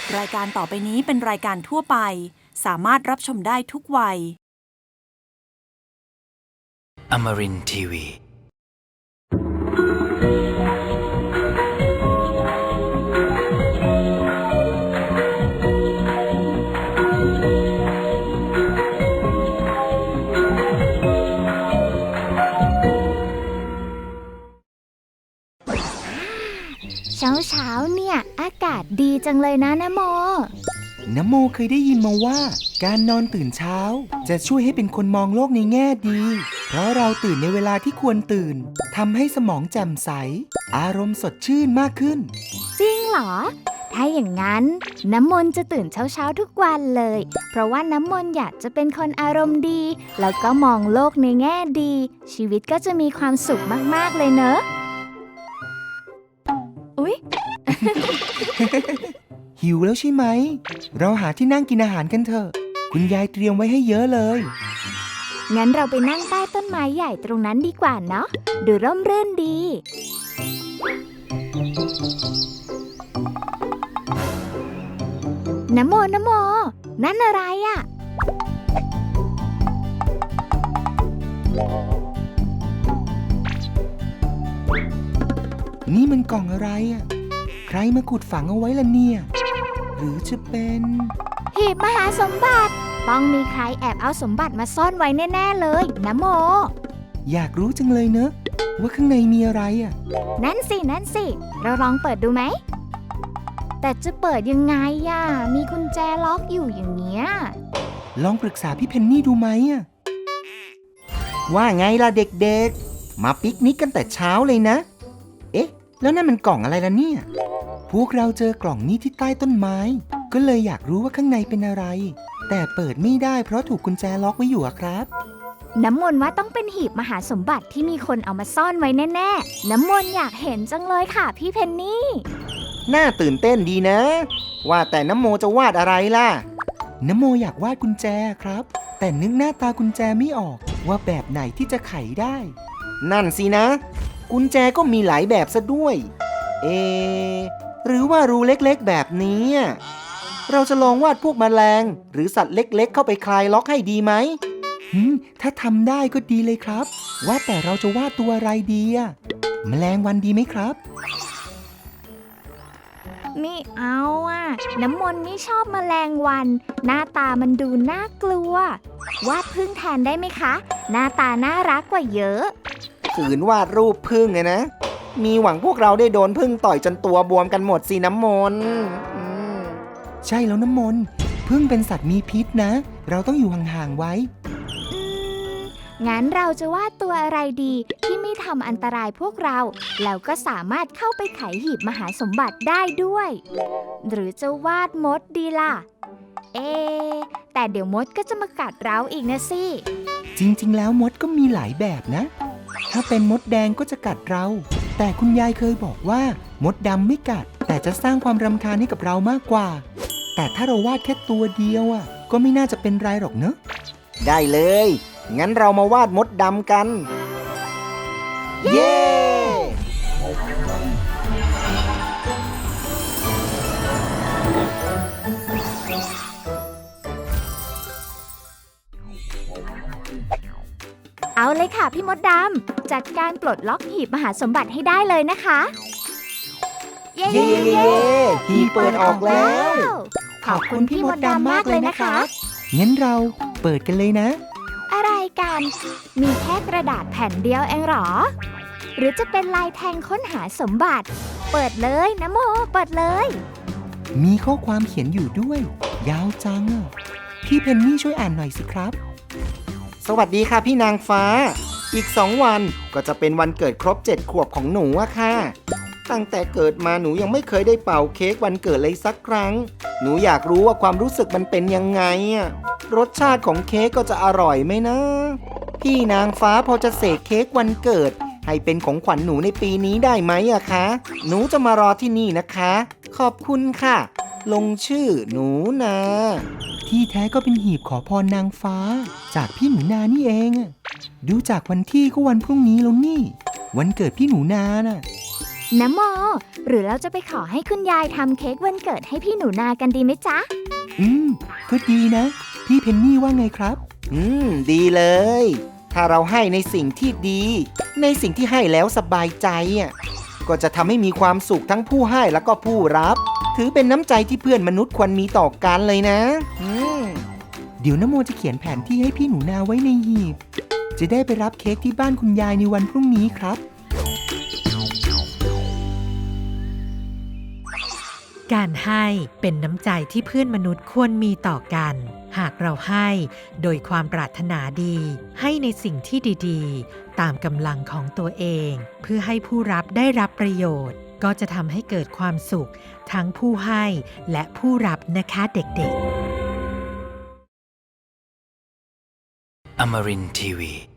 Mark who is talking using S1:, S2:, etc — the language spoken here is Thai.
S1: รายการต่อไปนี้เป็นรายการทั่วไปสามารถรับชมได้ทุกวัย
S2: Amarin Tiwi
S3: เช้าเนี่ยอากาศดีจังเลยนะนะโม
S4: น้ำโมเคยได้ยินมาว่าการนอนตื่นเช้าจะช่วยให้เป็นคนมองโลกในแง่ดี เพราะเราตื่นในเวลาที่ควรตื่นทำให้สมองแจ่มใสอารมณ์สดชื่นมากขึ้น
S3: จริงเหรอถ้าอย่างนั้นน้ำมนต์จะตื่นเช้าทุกวันเลยเพราะว่าน้ำมนต์อยากจะเป็นคนอารมณ์ดีแล้วก็มองโลกในแง่ดีชีวิตก็จะมีความสุขมากๆเลยเนอะอุ๊ย
S4: หิวแล้วใช่ไหมเราหาที่นั่งกินอาหารกันเถอะคุณยายเตรียมไว้ให้เยอะเลย
S3: งั้นเราไปนั่งใต้ต้นไม้ใหญ่ตรงนั้นดีกว่าเนาะดูร่มรื่นดีนะโมนั่นอะไรอ่ะ
S4: นี่มันกล่องอะไรอ่ะใครมาขุดฝังเอาไว้ล่ะเนี่ยหรือจะเป็น
S3: หีบมหาสมบัติต้องมีใครแอบเอาสมบัติมาซ่อนไว้แน่ๆเลยนะโม
S4: อยากรู้จังเลยเนอะว่าข้างในมีอะไรอ่ะ
S3: นั่นสิเราลองเปิดดูไหมแต่จะเปิดยังไงอ่ะมีกุญแจล็อกอยู่อย่างเงี้ย
S4: ลองปรึกษาพี่เพนนี่ดูไหมอ่ะว่าไงล่ะเด็กๆมาปิกนิกกันแต่เช้าเลยนะเอ๊ะแล้วนั่นมันกล่องอะไรล่ะเนี่ยพวกเราเจอกล่องนี้ที่ใต้ต้นไม้ก็เลยอยากรู้ว่าข้างในเป็นอะไรแต่เปิดไม่ได้เพราะถูกกุญแจล็อกไว้อยู่ครับ
S3: น้ำมนต์ว่าต้องเป็นหีบมหาสมบัติที่มีคนเอามาซ่อนไว้แน่ๆน้ำมนต์อยากเห็นจังเลยค่ะพี่เพนนี่
S4: น่าตื่นเต้นดีนะว่าแต่น้ำโมจะวาดอะไรล่ะน้ำโมอยากวาดกุญแจครับแต่นึกหน้าตากุญแจไม่ออกว่าแบบไหนที่จะไขได้นั่นสินะกุญแจก็มีหลายแบบซะด้วยหรือว่ารูเล็กๆแบบนี้เราจะลองวาดพวกแมลงหรือสัตว์เล็กๆเข้าไปคลายล็อกให้ดีไหมถ้าทำได้ก็ดีเลยครับว่าแต่เราจะวาดตัวอะไรดีแมลงวันดีไหมครับ
S3: ไม่เอาน้ำมนต์ไม่ชอบแมลงวันหน้าตามันดูน่ากลัววาดผึ้งแทนได้ไหมคะหน้าตาน่ารักกว่าเยอะ
S4: ขืนวาดรูปผึ้งนะมีหวังพวกเราได้โดนผึ้งต่อยจนตัวบวมกันหมดสิน้ำมนต์ใช่แล้วน้ำมนต์ผึ้งเป็นสัตว์มีพิษนะเราต้องอยู่ห่างๆไว้
S3: งั้นเราจะวาดตัวอะไรดีที่ไม่ทำอันตรายพวกเราแล้วก็สามารถเข้าไปไขหีบมหาสมบัติได้ด้วยหรือจะวาดมดดีล่ะแต่เดี๋ยวมดก็จะมากัดเราอีกนะสิ
S4: จริงๆแล้วมดก็มีหลายแบบนะถ้าเป็นมดแดงก็จะกัดเราแต่คุณยายเคยบอกว่ามดดำไม่กัดแต่จะสร้างความรำคาญให้กับเรามากกว่าแต่ถ้าเราวาดแค่ตัวเดียวก็ไม่น่าจะเป็นไรหรอกเนอะได้เลยงั้นเรามาวาดมดดำกันเย้
S3: เอาเลยค่ะพี่มดดำจัดการปลดล็อกหีบมหาสมบัติให้ได้เลยนะคะ
S4: เย้หีบเปิดออกแล้ว
S3: ขอบคุณพี่มดดำมากเลยนะคะ
S4: งั้นเราเปิดกันเลยนะ
S3: อะไรกันมีแค่กระดาษแผ่นเดียวเองหรอหรือจะเป็นลายแทงค้นหาสมบัติเปิดเลยนะโมเปิดเลย
S4: มีข้อความเขียนอยู่ด้วยยาวจังพี่เพนนี่ช่วยอ่านหน่อยสิครับสวัสดีค่ะพี่นางฟ้าอีก2 วันก็จะเป็นวันเกิดครบ7 ขวบของหนูค่ะตั้งแต่เกิดมาหนูยังไม่เคยได้เป่าเค้กวันเกิดเลยสักครั้งหนูอยากรู้ว่าความรู้สึกมันเป็นยังไงรสชาติของเค้กก็จะอร่อยไหมนะพี่นางฟ้าพอจะเสกเค้กวันเกิดให้เป็นของขวัญหนูในปีนี้ได้ไหมคะหนูจะมารอที่นี่นะคะขอบคุณค่ะลงชื่อหนูนาที่แท้ก็เป็นหีบขอพรนางฟ้าจากพี่หนูนานี่เองดูจากวันที่ก็วันพรุ่งนี้แล้วนี่วันเกิดพี่หนูนาน่ะ
S3: นะโม หรือเราจะไปขอให้คุณยายทำเค้กวันเกิดให้พี่หนูนากันดีไหมจ๊ะ
S4: ก็ดีนะ พี่เพนนี่ว่าไงครับ ดีเลย ถ้าเราให้ในสิ่งที่ดี ในสิ่งที่ให้แล้วสบายใจก็จะทำให้มีความสุขทั้งผู้ให้แล้วก็ผู้รับ ถือเป็นน้ำใจที่เพื่อนมนุษย์ควรมีต่อกันเลยนะเดี๋ยวนโมจะเขียนแผนที่ให้พี่หนูนาไว้ในหีบ จะได้ไปรับเค้กที่บ้านคุณยายในวันพรุ่งนี้ครับ
S5: การให้เป็นน้ำใจที่เพื่อนมนุษย์ควรมีต่อกัน หากเราให้โดยความปรารถนาดีให้ในสิ่งที่ดีๆตามกำลังของตัวเองเพื่อให้ผู้รับได้รับประโยชน์ก็จะทำให้เกิดความสุขทั้งผู้ให้และผู้รับนะคะเด็กๆ
S2: Amarin Tiwi